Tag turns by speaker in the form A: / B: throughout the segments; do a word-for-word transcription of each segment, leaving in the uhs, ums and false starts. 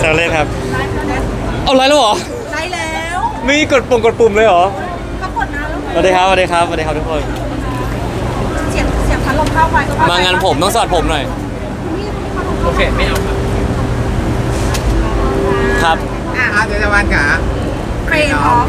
A: ซวเล่นครับ
B: ไลฟ์แล้วนะ
A: เอาไลฟ์แล้วเหรอ
B: ไลฟ์แล้ว
A: ไม่กดปุ่มกดปุ่มเลยเหรอ
B: ก็กดนะแล้ว
A: สวัสดีครับสวัสดีครับสวัสดีครับทุกคน
B: เสียงเสียงพัดลมเข้าไปก็เข้ไป
A: มางานผมต้องสวัสดผมหน่อยโอเคไม่เอาครับครับ
B: อ่ะ
C: อาเจตวันกะ
B: เครนออฟ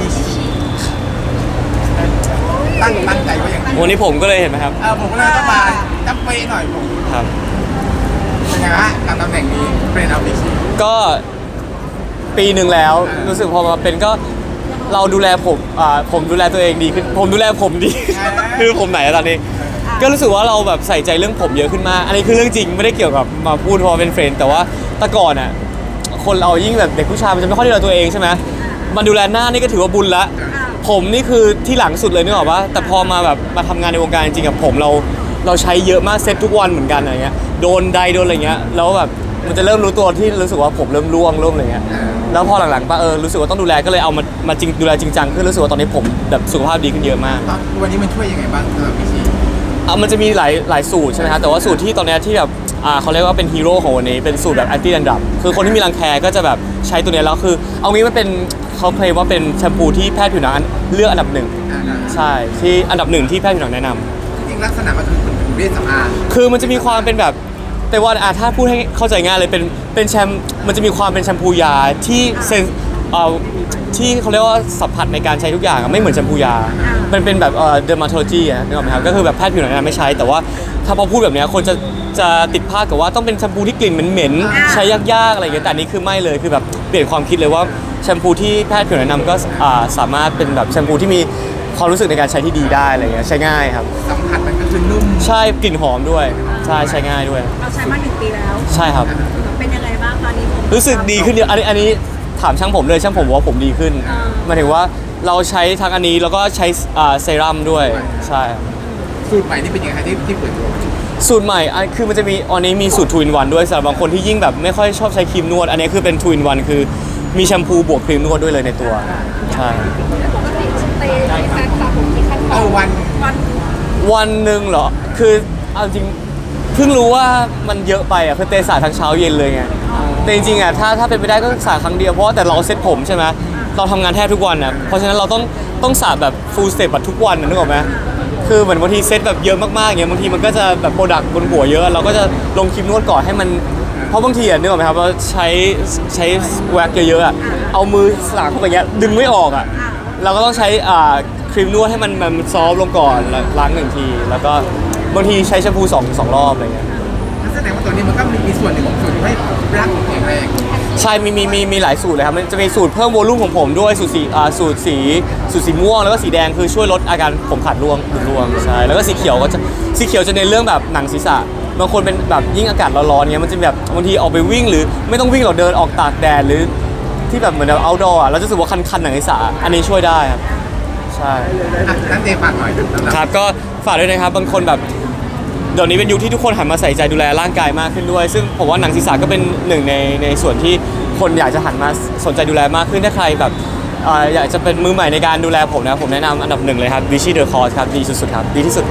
C: ตั้งตั้งใจไว้อย่างนี้
A: วันนี้ผมก็เลยเห็นไหมครับ
C: เออผมก็เลยต้องมาจำเป๊ะหน่อยผม
A: ครับ
C: เป็นไงฮะกับตำแหน่งนี้เป็นเอาบิชิ
A: ก็ปีหนึ่งแล้วรู้สึกพอมาเป็นก็เราดูแลผมอ่าผมดูแลตัวเองดีขึ้นผมดูแลผมดี คือผมไหนอะตอนนี้ ก็รู้สึกว่าเราแบบใส่ใจเรื่องผมเยอะขึ้นมากอันนี้คือเรื่องจริงไม่ได้เกี่ยวกับมาพูดเพราะเป็นเฟรนด์แต่ว่าแต่ก่อนอ่ะคนเรายิ่งแบบเด็กผู้ชายมันจะไม่ค่อยดูแลตัวเองใช่ไหมมันดูแลหน้านี่ก็ถือว่าบุญละผมนี่คือที่หลังสุดเลยนึกออกปะแต่พอมาแบบมาทำงานในวงการจริงๆกับผมเราเราใช้เยอะมากเซ็ตทุกวันเหมือนกันอะไรเงี้ยโดนใดโดนอะไรเงี้ยแล้วแบบมันจะเริ่มรู้ตัวที่รู้สึกว่าผมเริ่มร่วงเริ่มอะไรเงี้ยแล้วพอหลังๆปะเออรู้สึกว่าต้องดูแลก็เลยเอามามาจริงดูแลจริงจังขึ้นรู้สึกว่าตอนนี้ผมแบบสุขภาพดีขึ้นเยอะมาก
C: ตอนวันนี้มันช่วยยังไงบ้างสำหรับบิชิ
A: อ่ะมันจะมีหลายหลายสูตรใช่ไหมครับแต่ว่าสูตรที่ตอนเนี้ยที่แบบอ่าเขาเรียกว่าเป็นฮีโร่ของวันนี้เป็นสูตรแบบแอนตี้ดันดับคือคนที่มีรังแคก็จะแบบใช้ตัวเนี้ยแล้วคือเอางี้มันเป็นเขาเคลมว่าเป็นแชมพูที่แพทย์ผิวหนังเลือกอันดับหนึ่ง
C: อ่า
A: ใช่ที่อันดับหนึ่งที่แพทย์ผิวหนังแนะนำ
C: จริงๆลักษณะมันคือเป็นเวชสำอาง
A: คือมันจะมีความเป็นแบบแต่ว่าอ่ะถ้าพูดให้เข้าใจง่ายเลยเป็นเป็นแชมมันจะมีความเป็นแชมพูยาที่เซนเอ่อที่เขาเรียกว่าสัมผัสในการใช้ทุกอย่างอะไม่เหมือนแชมพูยามันเป็นแบบเอ่อ dermatology อะนึกออกไหมครับก็คือแบบแพทย์ผิวหนังแนะนำไม่ใช้ แต่ว่าถ้าพอพูดแบบเนี้ยคนจะจะติดภาพกับว่าต้องเป็นแชมพูที่กลิ่นเหม็นๆใช้ยากๆอะไรอย่างเงี้ยแต่อันนี้คือไม่เลยคือแบบเปลี่ยนความคิดเลยว่าแชมพูที่แพทย์ผิวหนังแนะนำก็อ่าสามารถเป็นแบบแชมพูที่มีความรู้สึกในการใช้ที่ดีได้อะไรเงี้ยใช้ง่ายครับ
C: สัมผัสมันก็คือนุ่ม
A: ใช่กลิ่นหอมด้วยใช่ใช้ง่ายด้วย
B: เราใช้มาหนึ่งปีแล้ว
A: ใช่ครับ
B: เป็นยังไงบ้างตอนนี้ผม
A: รู้สึกดีขึ้นเยอะอันนี้อันนี้ถามช่างผมเลยช่างผมบอกว่าผมดีขึ้นหมายถึงว่าเราใช้ทั้งอันนี้แล้วก็ใช้อ่าเซรั่มด้วยใช่ครับ
C: สูตรใหม่นี่เป็นยังไงที่ที่เปิดตัว
A: สูตรใหม่อันคือมันจะมีอันนี้มีสูตร ทู อิน วัน ด้วยสำหรับบางคนที่ยิ่งแบบไม่ค่อยชอบใช้ครีมนวดอันนี้คือเป็น ทู อิน วัน คือมีแชมพูบวกครีมนวดด้วยเลยในตัวใช่
B: ปกติเตยในการสระผมกี่ขั้นต
C: เอ
B: อน
C: อวัน
B: วัน
A: วันหนึ่งเหรอคือเอาจริงเพิ่งรู้ว่ามันเยอะไปอ่ะคือเตะสระทั้งเช้าเย็นเลยไงแต่จริงๆอ่ะถ้าถ้าเป็นไปได้ก็สระครั้งเดียวเพราะว่าแต่เราเซ็ตผมใช่ไหมเราทำงานแทบทุกวันอ่ะเพราะฉะนั้นเราต้องต้องสระแบบ full step แบบทุกวันนะนึกออกไหมคือเหมือนบางทีเซ็ตแบบเยอะมากๆอย่างเงี้ยบางทีมันก็จะแบบโปรดักต์บนหัวเยอะเราก็จะลงครีมนวดก่อนให้มันเพราะบางทีอ่ะนึกออกไหมครับว่าใช้ใช้แว็กเยอะๆอ่ะเอามือสระเข้าไปอย่างเงี้ยดึงไม่ออกอ่ะเราก็ต้องใช้อ่าครีมนวดให้มันมันซอฟต์ลงก่อนแล้วล้างหนึ่งทีแล้วก็บางทีใช้แชมพูสองสองรอบอะไรเงี้ย
C: นั่นแสดงว่าตัวนี้มันก็มีส่วนหนึ่งของสูตรที่ให้ร่างผมแข็งแรง
A: ใช่มีมีมีมีหลายสูตรเลยครับมันจะมีสูตรเพิ่มโวลุ่มของผมด้วยสูตรสีอ่าสูตรสีสูตรสีม่วงแล้วก็สีแดงคือช่วยลดอาการผมขาดร่วงหรือร่วงใช่แล้วก็สีเขียวก็จะสีเขียวจะในนเรื่องแบบหนังศีรษะบางคนเป็นแบบยิ่งอากาศร้อนๆเงี้ยมันจะแบบบางทีออกไปวิ่งหรือไม่ต้องวิ่งหรอกเดินออกตากแดดหรือที่แบบเหมือนแบบ outdoor อ่ะเราจะรู้สึกว่าคันๆหนังศีรษะอันนี้ช่วยได้ครับใช่
C: อ่ะนั่นเจฝากหน่อยสำหรับ
A: ครับก็ฝากด้วยนะครับบางคนแบบเดี๋ยวนี้เป็นยุคที่ทุกคนหันมาใส่ใจดูแลร่างกายมากขึ้นด้วย ซึ่งผมว่าหนังศีรษะก็เป็นหนึ่งในในส่วนที่คนอยากจะหันมาสนใจดูแลมากขึ้นถ้าใครแบบเอ่ออยากจะเป็นมือใหม่ในการดูแลผมนะผมแนะนำอันดับหนึ่งเลยครับ Vichy The Cause ครับดีสุดๆครับดีที่สุด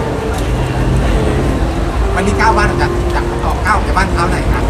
C: วันนี้ก้าวบ้านจากจากออกก้าวจากบ้านเท้าไหนครับ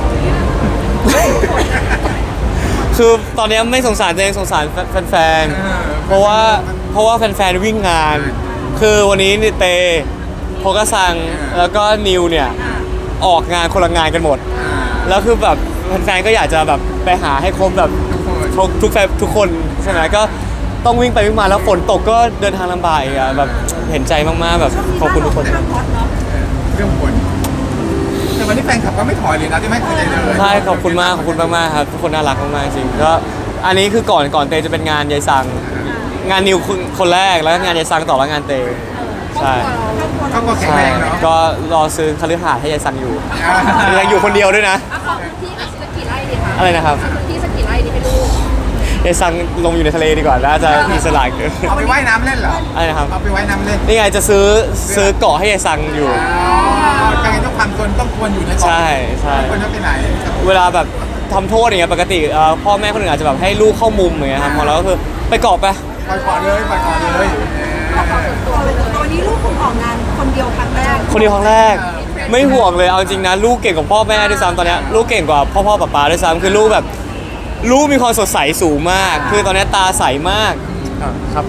A: คือตอนนี้ไม่สงสารตัวเองสงสารแฟนๆเพราะว่าเพราะว่าแฟนๆวิ่งงาน คือวันนี้นี่เตโพกะซังแล้วก็นิวเนี่ยออกงานคนละงานกันหมด แล้วคือแบบแฟนๆก็อยากจะแบบไปหาให้ครบแบบทุกทุกแฟนทุกคนใช่ไหมก็ต้องวิ่งไปวิ่งมาแล้วฝนตกก็เดินทางลำบากอีกอะแบบเห็นใจมากๆแบบขอบคุณทุกคน
B: เรื่องฮอตเนาะ
C: เรื่องผลแต่วันนี้แฟนคลับก็ไม่ถอยเลยนะที่ไม่เคยใจเลย
A: ใช่ขอบคุณมากขอบคุณมากๆครับทุกคนน่ารักมากๆจริงก็อันนี้คือก่อนก่อนเตจะเป็นงานยายซังงานนิวคนคนแรกแล้วก็งานยายซังต่อแล้วงานเตใช่
C: เขาก็แข็ง
A: ใช่
C: แรงเนาะ
A: ก็รอซื้อคฤหาสน์ให้ยายซังอยู่
C: อ่า
A: ยังอยู่คนเดียวด้วยนะ
B: เอาขอพื้นที่สักกี่ไร่ดีคะ
A: อะไรนะครับ
B: พื้นที่สักกี่ไร่ดีให้ลูก
A: ยายซังลงอยู่ในทะเลดีกว่าน่าจะมีสลากเกิน
C: เอาไปว่ายน้ำเล่นเหรอ
A: อะไรนะครับ
C: เอาไปว่ายน้ำเล่น
A: นี่ไงจะซื้อซื้อเกาะให้ยายซังอยู่
C: อ๋อการต้องความตนต้องควรอยู่ในเกาะ
A: ใช่ใช่
C: ไม่ควรจะไปไหน
A: เวลาแบบทำโทษอย่างเงี้ยปกติเอ่อพ่อแม่คนอื่นอาจจะแบบให้ลูกเข้ามุมอย่างเงี้ยครับพอเราก็คือไปเกาะไป
C: ปล่อยเกาะเลยปล่อยเกาะเลย
B: ตัวตัวนี้ลูกคุณออกงานคนเดียวครั้งแรก
A: คนเดียวครั้งแรกไม่ห่วงเลยเอาจริงนะลูกเก่งกว่าพ่อแม่ด้วยซ้ำตอนเนี้ยลูกเก่งกว่าพ่อพ่อป๊าป๊าด้วยซ้ำคือลูกแบบลูกมีความสดใสสูงมาก คือตอนนี้ตาใสมากอ่ะครับ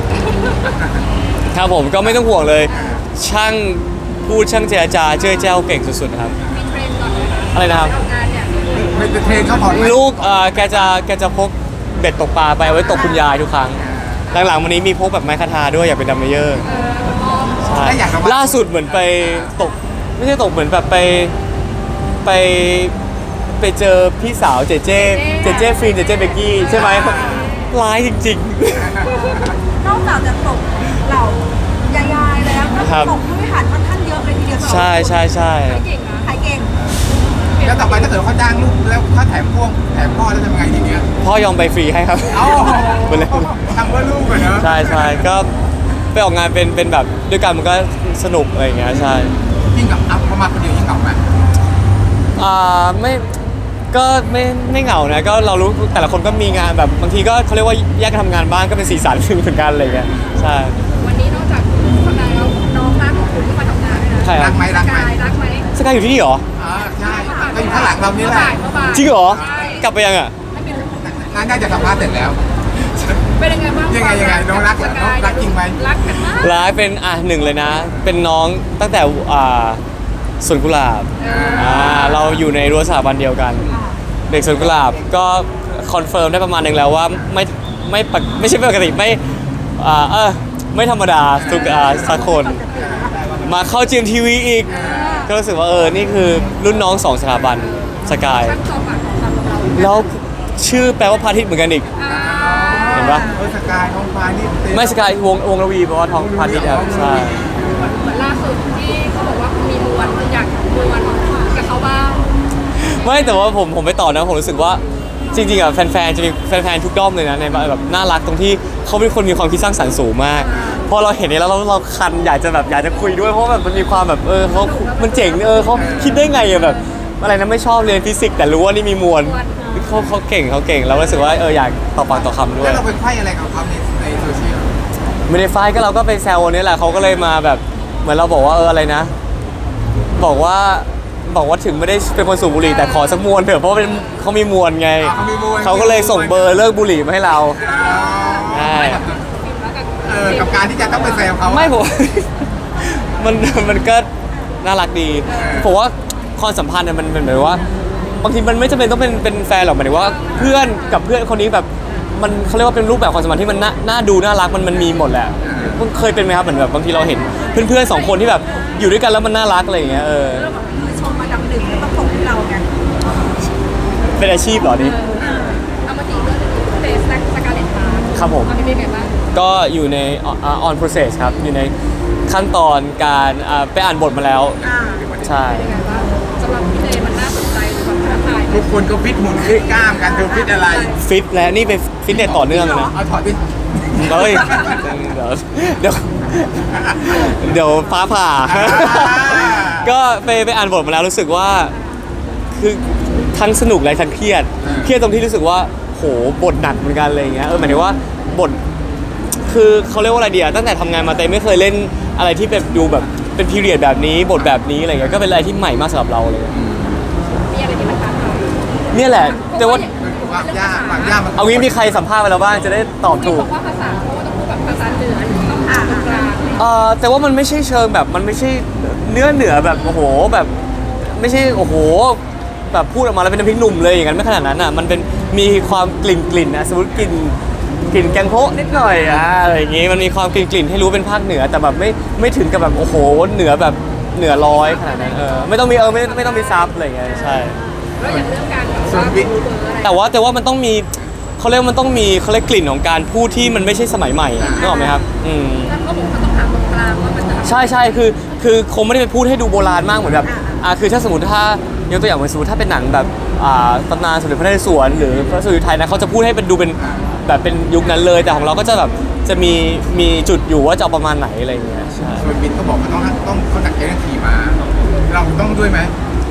A: ครับผมก็ไม่ต้องห่วงเลย ช่างพูดช่างเจรจาเจ้ยแจ้วเก่งสุดๆครับ
D: มีเทรนก่อนเลยนะ
A: อะไรนะครับ
D: ทำงานเนี่ย
C: ไม่จะเทรนเขาถอดไหม
A: ลูกเอ่อแกจะแกจะพกเบ็ดตกปลาไปเอาไว้ตกคุณยายทุกครั้ง หลังๆวันนี้มีพกแบบไม้คาทาด้วยอยากเป็นดัมเมเยอร์ใช่
C: ถ้าอยากระวัง
A: ล่าสุดเหมือนไปตกไม่ใช่ตกเหมือนแบบไปไปไปเจอพี่สาวเจเจเจเจฟินเจเจเบกกี้ใช่ไหมร้ายจริง
B: นอกจากจะตกเหล่ายายๆแล้วก็
A: ครับ
B: ตกผู้บริหารค่อนข้างเยอะเลยทีเดียว
A: ๆ ใช่ใช่ใช่
D: เก่งนะ
B: ขายเก่ง
C: แล้วต่อไปถ้าเกิดเขาจ้างลูกแล้วเขาแถมพ่วงแถมพ่อแล้วทำยังไงทีเนี้ย
A: พ่อยอมไปฟรีให้ครับ
C: เอ้า
A: ไปเลย
C: ทำเพื่อลูกเลยเนอะ
A: ใช่ใช่ก็ไปออกงานเป็นเป็นแบบด้วยกันมันก็สนุกอะไรอย่างเงี้ยใช่
C: ยิ่งกับอัพเขามาคนเดียวยิ่งเหงาไหม
A: อ่าไม่ก็ไม่ไม่เหงานะก็เรารู้แต่ละคนก็มีงานแบบบางทีก็เขาเรียกว่าแยกกันทำงานบ้างก็เป็นสีสันหนึ่งเหมือนกันอะไรอย่างเงี้ยใช่
D: วันนี้นอกจากทำงานแล้วน้องรักของคุณที่มาทำงานด้วยนะ
A: ใช่ค
C: รั
A: รับ
C: กไหมรักไหม
D: กายรักไหม
A: สกายอยู่ที่นี่เหรอ
C: อ่าใช่ก็อยู่ข้างหลังเรานี่แหละ
D: เมื่อบ่าย
A: จริงเหรอ
D: ใช่
A: กลับไปยังอ่ะ
D: ไม่เป็น
C: น่าน่าจะสัมภาษณ์เสร็จแล้ว
D: เป็นยังไงบ้าง
C: ยังไงยังไงน้องรักเหรอน้องรักจริงไหม
D: รักกันมาก
A: ร้ายเป็นอ่ะหนึ่งเลยนะ เป็นน้องตั้งแต่อ่าสวนกุหลาบอ่าเราอยู่ในรั้วสถาบันเดียวกัน เด็กสวนกุหลาบก็คอนเฟิร์มได้ประมาณหนึ่งแล้วว่าไม่ไม่ปกไม่ใช่ไม่ปกติไม่อ่าเออไม่ธรรมดาทุกอ่าสักคน มาเข้าจีมทีวีอีก ก็รู้สึกว่าเออนี่คือรุ่นน้องสองสถาบันสกาย
D: ช่างจอมปากของคำของเรา
A: แล้วชื่อแปลว่าพระอาทิตย์เหมือนกันอีก
D: อ่า
A: เห็นปะ
C: เออสกายน้องฟ้านี่เต็
A: ไม่สกายวงวงระวีแปลว่าท้องพระอาทิตย์ครับใช่
D: เหมือนล่าสุดที่เขาบอกว่าคุณมีมวลคุณอยากมวลกับเขาบ้าง
A: ไม่แต่ว่าผมผมไปต่อนะผมรู้สึกว่าจริงๆอ่ะแฟนๆจะมีแฟนๆทุกด้อมเลยนะในแบบน่ารักตรงที่เขาเป็นคนมีความคิดสร้างสรรค์สูงมากพอเราเห็นเนี่ยแล้วเราเราคันอยากจะแบบอยากจะคุยด้วยเพราะแบบมันมีความแบบเออเขามันเจ๋งเออเขาคิดได้ไงอะแบบอะไรนะไม่ชอบเรียนฟิสิกส์แต่รู้ว่านี่มีมวลเขาเขาเก่งเขาเก่งเรารู้สึกว่าเอออยากต่อปากต่อคำด้วย
C: แล้วเราไปไขว้อะไรกับเขาในในโซเชียล
A: ไม่ได้ไฟท์ก็เราก็ไปแซวนี่แหละเขาก็เลยมาแบบเหมือนเราบอกว่าเอออะไรนะ บอกว่าบอกว่าถึงไม่ได้เป็นคนสูบบุหรี่แต่ขอสักมวนเถอะเพราะว่าเป็นเขามีมวลไง
C: อ่าเขามีมวล
A: เขาก็เลยส่งเบอร์เลิกบุหรี่มาให้เราใช่
C: เออกับการที่จะต้องไปแซวเขา
A: ไม่ผม มันมันก็น่ารักดีผมว่าความสัมพันธ์เนี่ยมันเป็นแบบว่าบางทีมันไม่จำเป็นต้องเป็นเป็นแฟนหรอกหมายถึงว่าเพื่อนกับเพื่อนคนนี้แบบมันเขาเรียกว่าเป็นรูปแบบความสัมพันธ์ที่มันน่าน่าดูน่ารักมันมันมีหมดแหละมันเคยเป็นไหมครับเหมือนแบบบางทีเราเห็นเพื่อนๆสองคนที่แบบอยู่ด้วยกันแล้วมันน่ารักอะไรอย่างเงี้ยเออ
B: คือชมมาดำดึงแล้วก็ตกที่เราไง
A: เป็นอาชีพเหรอนี่
D: เอามาตีเรื่องเฟสแลกสกาเลตมา
A: ครับผม
D: เป็นยังไงบ้าง
A: ก็อยู่ใน on process ครับอยู่ในขั้นตอนการอ่าไปอ่านบทมาแล้ว
B: อ่า
A: ใช่
D: เป็นยังไงบ้างสำหรับพี่เลมันน่าสนใจหรือแบบท้าทายไหม
C: ทุกคนก็ฟิตหุ่นฟิตกล้ามกันเธอฟิตอะไร
A: ฟิตแล้วนี่เป็นฟิตเนสต่อเนื่องเลยนะ
C: เอาถอดดิ
A: เฮ้ยเดี๋ยวเดี๋ยวเดี๋ยวฟ้าผ่า ก็ไปไปอ่านบทมาแล้วรู้สึกว่าคือทั้งสนุกและทั้งเครียดเครียดตรงที่รู้สึกว่าโหบทหนักเหมือนกันอะไรอย่างเงี้ยเออหมายถึงว่าบทคือเขาเรียกว่าอะไรเดียตั้งแต่ทำงานมาเต้ไม่เคยเล่นอะไรที่แบบดูแบบเป็นพีเรียดแบบนี้บทแบบนี้อะไรเงี้ยก็เป็นอะไรที่ใหม่มากสำหรับเราเลย
D: มีอะไรที่มันท้าทาย
A: เนี่ยแหละแต่ว่า
C: ความยากความยากมัน
A: เอางี้มีใครสัมภาษณ์ไปแล้วบ้างจะได้ตอบ
D: มี
A: ถู
D: บ
A: ก
D: อกว่าภาษาเพราะว่าต้องพูดแบบภาษาเหนือต้องอ่านกลาง
A: เอ่อแต่ว่ามันไม่ใช่เชิงแบบมันไม่ใช่เนื้อเหนือแบบโอ้โหแบบไม่ใช่โอ้โหแบบพูดออกมาแล้วเป็นน้ำพริกหนุ่มเลยอย่างนั้นไม่ขนาดนั้นอ่ะมันเป็นมีความกลิ่นกลิ่นนะสมมติกลิ่นกลิ่นแกงโพะนิดหน่อยอ่ะอะไรอย่างงี้มันมีความกลิ่นกลิ่นให้รู้เป็นภาคเหนือแต่แบบไม่ไม่ถึงกับแบบโอ้โหเหนือแบบเหนือร้อยขนาดนั้นเออไม่ต้องมีเออไม่ไม่ต้องมีซับอะไรอย่างเงี้ยใช่
D: แล้วอย่างเรื่องการแบบว่าดูเบอร์อะไร
A: แต่ว่าแต่ว่ามันต้องมีเขาเรียกว่ามันต้องมีเขาเรียกกลิ่นของการพูดที่มันไม่ใช่สมัยใหม่นึกออกไหมครับอืม
D: แล้วก็บอกว่าต้องหาตรงกลางว่ามันจะ
A: ใช่ใช่คือคือคงไม่ได้ไปพูดให้ดูโบราณมากเหมือนแบบอ่าคือถ้าสมมติถ้ายกตัวอย่างเหมือนสมมติถ้าเป็นหนังแบบอ่าตำนานสมเด็จพระนเรศวรหรือพระสุริยไทยนะเขาจะพูดให้เป็นดูเป็นแบบเป็นยุคนั้นเลย แต่ของเราก็จะแบบจะมีมีจุดอยู่ว่าจะเอาประมาณไหนอะไรอย่างเงี้ยใช่
C: ส่วนบินก็บอกว่าต้องต้องเขาหนักใจเรื่องขี่ม้าเราต้องด้วยไหม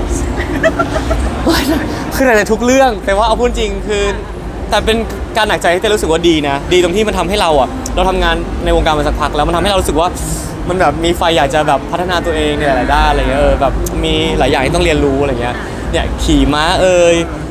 A: คือในทุกเรื่องแต่ว่าเอาพูดจริงคือแต่เป็นการหนักใจที่เต้รู้สึกว่าดีนะดีตรงที่มันทำให้เราอ่ะเราทำงานในวงการมาสักพักแล้วมันทำให้เรารู้สึกว่ามันแบบมีไฟอยากจะแบบพัฒนาตัวเองในหลายๆด้านอะไรเงี้ยเออแบบมีหลายอย่างที่ต้องเรียนรู้อะไรเงี้ยเนี่ยขี่ม้าเอ่ยพ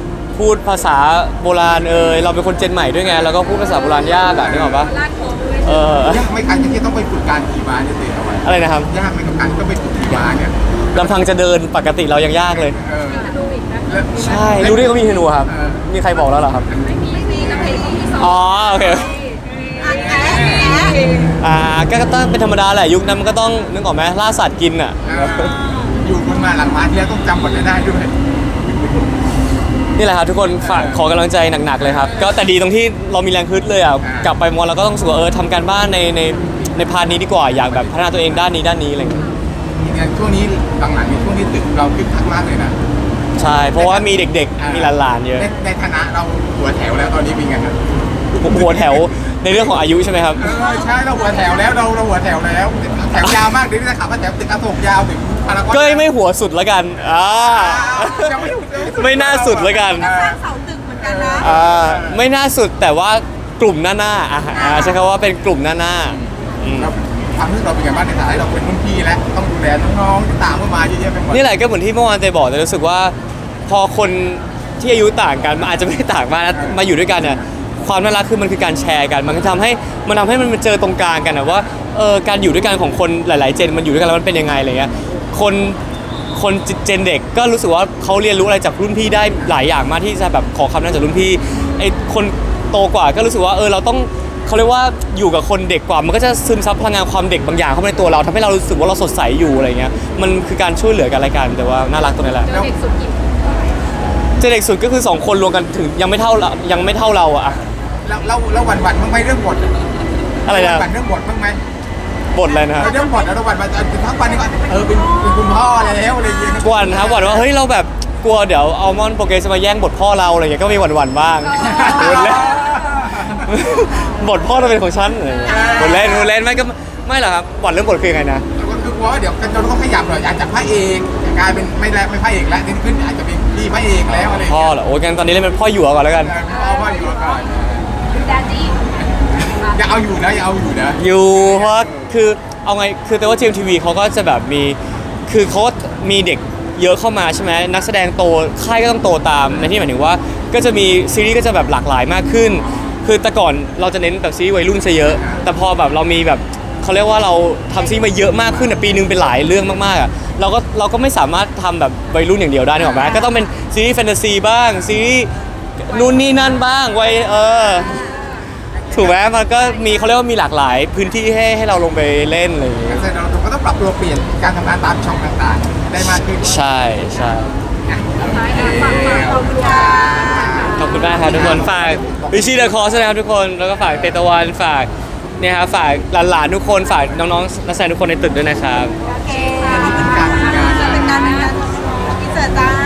A: พูดภาษาโบราณเอยเราเป็นคนเจนใหม่ด้วยไงแล้วก็พูดภาษาโบราณยากอะนึกออกปะ
D: ลาดโค้งด้วย
A: เออ
C: ยากไหม่การที่ต้องไปฝึกการขี่ม้าเนี่ยเตะเอาไว้
A: อะไรนะครับ
C: ยากไหมกับการที่ต้องไปฝึกขี่ม้าเนี่ย
A: ลำพังจะเดินปกติเรายังยากเลย
C: เออ
D: ธนูอีกนะ
C: แล้ว
A: ใช่รู้ได้เขามีธนูครับ มีใครบอกแล้วเหรอครับ
D: ไม่มีไม่มีกระเพงที่สอง
A: อ๋อโอเค
B: อ่ะแอะแอะ
A: อ่าก็ต้องเป็นธรรมดาแหละยุคนั้นมันก็ต้องนึกออกไหมล่าสัตว์กินอ่ะ
C: เอออยู่บนมาหลังม้าที่แล้วต้องจำบทได้ด้วย
A: นี่แหละครับทุกคนฝากขอกำลังใจหนักๆเลยครับ ก็แต่ดีตรงที่เรามีแรงฮึดเลยอ่ะกลับไปมอเราก็ต้องรู้สึกว่าเออทำการบ้านในในในพาร์ทนี้ดีกว่าอยากแบบพัฒนาตัวเองด้านนี้ด้านนี้อะไรอย่างเงี้ย
C: เนี่ยช่วงนี้หลังๆในช่วงนี้ตึกเราคึกคักมากเลยนะ
A: ใช่เพราะว่ามีเด็กๆมีหลานๆเยอะ
C: ในในฐานะเราหัวแถวแล้วตอนนี้เป็นไงครับ
A: หัวแถวในเรื่องของอายุใช่ไหมครับ
C: เออใช่เราหัวแถวแล้วเราเราหัวแถวแล้วแถวยาวมากเดี๋ยวนี้จะขับมาแถวตึกอโศกยาวถึงพารากอน
A: ก็ไม่หัวสุดแล้วกันอ่า
C: ยังไม่สุดยังสุด
A: ไม่น่าสุดแล้วกัน
B: สร้างเสาตึกเหมือนกันนะ
A: อ่าไม่น่าสุดแต่ว่ากลุ่มหน้าหน้าอ่ะอ่าใช้คำว่าเป็นกลุ่มหน้าหน้าอืม
C: เราความรู้สึกเราเป็นไงบ้างในฐานะที่เราเป็นรุ่นพี่แล้วต้องดูแลน้องๆที่ตามเข้ามาเยอะแยะไปหมด
A: นี่แหละก็เหมือนที่เมื่อวานเตยบอกแต่รู้สึกว่าพอคนที่อายุต่างกันมันอาจจะไม่ได้ต่างมากนะมาอยู่ด้วยกันเนี่ยความน่ารักคือมันคือการแชร์กัน มันก็ทำให้มันทำให้มันเจอตรงกลางกันนะว่าเออการอยู่ด้วยกันของคนหลาย ๆ เจนมันอยู่ด้วยกันแล้วมันเป็นยังไงอะไรเงี้ยคนคนเจนเด็กก็รู้สึกว่าเขาเรียนรู้อะไรจากรุ่นพี่ได้หลายอย่างมากที่จะแบบขอคำแนะนำจากรุ่นพี่ไอ้คนโตกว่าก็รู้สึกว่าเออเราต้องเขาเรียกว่าอยู่กับคนเด็กกว่ามันก็จะซึมซับพลังงานความเด็กบางอย่างเข้าไปในตัวเราทำให้เรารู้สึกว่าเราสดใสอยู่อะไรเงี้ยมันคือการช่วยเหลือกันอะไรกันแต่ว่าน่ารักตรงนี้แหละ
D: เจอเด็กสุดกี่
A: เจนเด็กสุดก็คือสองคนรวมกันถึงยังไม่เท่าเรายังไม่เท่าเราอะ
C: แล้วเราเราหวั่นหวั่นบ้างไหมเรื่องบท
A: อะไรนะ
C: หวั่นเรื่องบทบ้างไหม
A: บทอะไรนะครับ
C: เรื่องบทแล้วเราหวั่นมาทั้งวันนี้ก็เออเป็นเป็นคุณพ่อแล้วอะไรอย่างเงี้ย
A: หวันครับหวันว่าเฮ้ยเราแบบกลัวเดี๋ยวอัลมอนด์โปรเกรสจะมาแย่งบทพ่อเราอะไรอย่างเงี้ยก็มีหวั่นๆบ้างบทเล่นบทพ่อเราเป็นของฉันอะไรอย่างเงี้ยบทเล่นบทเล่นไม่ก็ไม่หรอกครับหวั่นเรื่องบทคือยังไงนะ
C: ก็คือกลัวว่าเดี๋ยวกันเราต้องขยับหน่อยอาจจะพระเอกกลายเป็นไม่แล้วไม่พระเอกแล้วนี่ขึ้นอาจจะเป็นพี่พระเอกแล้วอะไรอย่าง
A: พ่อ
C: เงี้ย
A: เหรอโอ้ยกันตอนนี้เล่นเป็นพ่อหยวก่อนแล้วกัน
C: เออเอาพ่ออยู่ก่อน
B: ดาดี้
C: อย่าเอาอยู่นะอย่าเอาอยู่นะ
A: อยู่เพราะคือเอาไงคือแต่ว่า จี เอ็ม ที วี เขาก็จะแบบมีคือเขาก็มีเด็กเยอะเข้ามาใช่ไหมนักแสดงโตค่ายก็ต้องโตตามในที่หมายถึงว่าก็จะมีซีรีส์ก็จะแบบหลากหลายมากขึ้น คือแต่ก่อนเราจะเน้นแบบซีรีส์วัยรุ่นซะเยอะ แต่พอแบบเรามีแบบเขาเรียกว่าเราทำซีรีส์มาเยอะมากขึ้นอะปีนึงเป็นหลายเรื่องมากๆอะเราก็เราก็ไม่สามารถทำแบบวัยรุ่นอย่างเดียวได้นึกออกไหมก็ต้องเป็นซีรีส์แฟนตาซีบ้างซีรีส์นู่นนี่นั่นบ้างวัยเออ ถูกไหมมันก็มีเขาเรียกว่ามีหลากหลายพื้นที่ให้ให้เราลงไปเล่นอะไรอย่างเงี้ย
C: แสดงเราก็ต้องปรับตัวเปลี่ยนการทำงานตามช่องต่างๆได้มากขึ้น
A: ใช่ใช่
D: ท้ายอ่ะฝากฝากขอบคุณค่ะ
A: ขอบคุณมากครับทุกคนฝากวิชีเดอะคอร์สนะครับทุกคนแล้วก็ฝากเตตะวันฝากเนี่ยครับฝากหลานๆทุกคนฝากน้องๆนักแสดงทุกคนในตึกด้วยนะครับ
B: โอเคขอบคุณค่ะเป็นการเป็นการพิเศษจ้า